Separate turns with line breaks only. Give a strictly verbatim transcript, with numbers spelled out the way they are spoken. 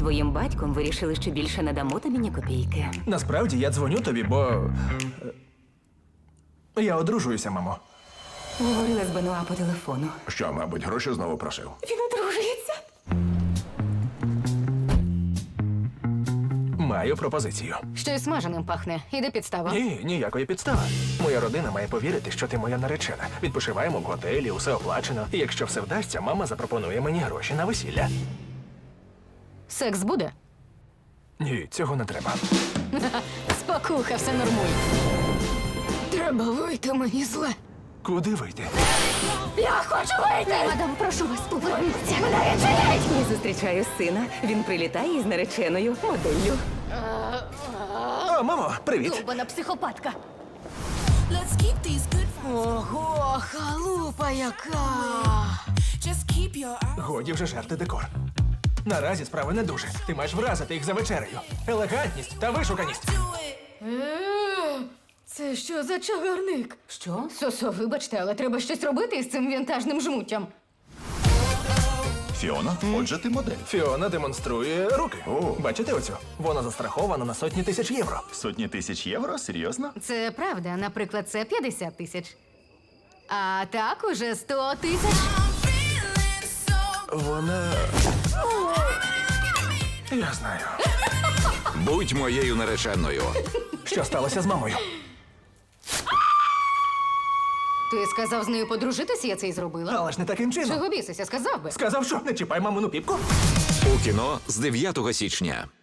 твоїм батьком вирішили, що більше не дамо тобі ні копійки.
Насправді я дзвоню тобі, бо. е, Я одружуюся, мамо.
Говорила з Бенуа по телефону.
Що, мабуть, гроші знову просив?
Він одружується.
Маю пропозицію.
Щось смаженим пахне. Іде підстава.
Ні, ніякої підстави. Моя родина має повірити, що ти моя наречена. Відпочиваємо в готелі, усе оплачено. І якщо все вдасться, мама запропонує мені гроші на весілля.
Секс буде?
Ні, цього не треба.
Спокуха, все нормуй. Треба вийти, мені зле.
Куди вийти?
Я хочу вийти! Мадам, прошу вас, поверніться. Мене
Я зустрічаю сина. Він прилітає із нареченою моделлю.
О, мамо, привіт.
Довбана психопатка.
Let's keep these good vibes.
Ого, халупа яка!
Just keep your eyes.
Годі вже жерти декор. Наразі справи не дуже. Ти маєш вразити їх за вечерею. Елегантність та вишуканість.
Do it.
Е, Це що за чагарник?
Що?
Сосо, вибачте, але треба щось робити із цим вінтажним жмуттям.
Фіона, отже, ти модель.
Фіона демонструє руки.
О.
Бачите оцю? Вона застрахована на сотні тисяч євро.
Сотні тисяч євро? Серйозно?
Це правда, наприклад, це п'ятдесят тисяч. А так уже сто тисяч.
I'm feeling so.
Вона. Я знаю.
Будь моєю нареченою.
Що сталося з мамою?
Ти сказав з нею подружитися, я це й зробила.
Але ж не таким чином.
Чого бісися, сказав би.
Сказав, що не чіпай мамину піпку.
У кіно з дев'ятого січня.